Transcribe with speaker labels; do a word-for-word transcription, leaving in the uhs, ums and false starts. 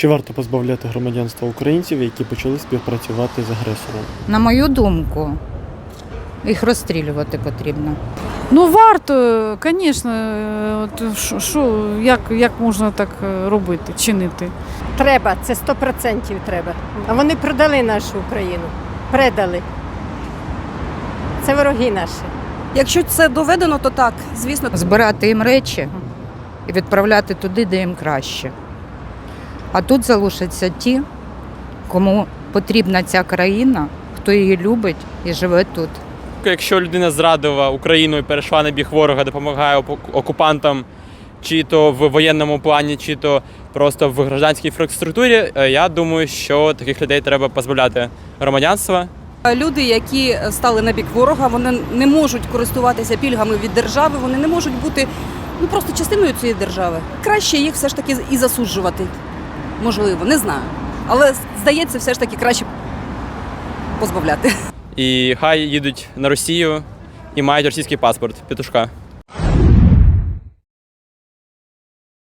Speaker 1: Чи варто позбавляти громадянства українців, які почали співпрацювати з агресором?
Speaker 2: На мою думку, їх розстрілювати потрібно.
Speaker 3: Ну, варто, звісно, от що- що, як, як можна так е, робити, чинити?
Speaker 4: Треба, це сто відсотків треба. А вони продали нашу Україну. Предали. Це вороги наші.
Speaker 5: Якщо це доведено, то так, звісно.
Speaker 2: Збирати їм речі і відправляти туди, де їм краще. А тут залишаться ті, кому потрібна ця країна, хто її любить і живе тут.
Speaker 6: Якщо людина зрадила Україну і перейшла на бік ворога, допомагає оку- окупантам, чи то в воєнному плані, чи то просто в гражданській інфраструктурі, е, я думаю, що таких людей треба позбавляти громадянства.
Speaker 5: Люди, які стали на бік ворога, вони не можуть користуватися пільгами від держави, вони не можуть бути ну, просто частиною цієї держави. Краще їх все ж таки і засуджувати. Можливо, не знаю. Але, здається, все ж таки краще позбавляти.
Speaker 6: І хай їдуть на Росію і мають російський паспорт, петушка.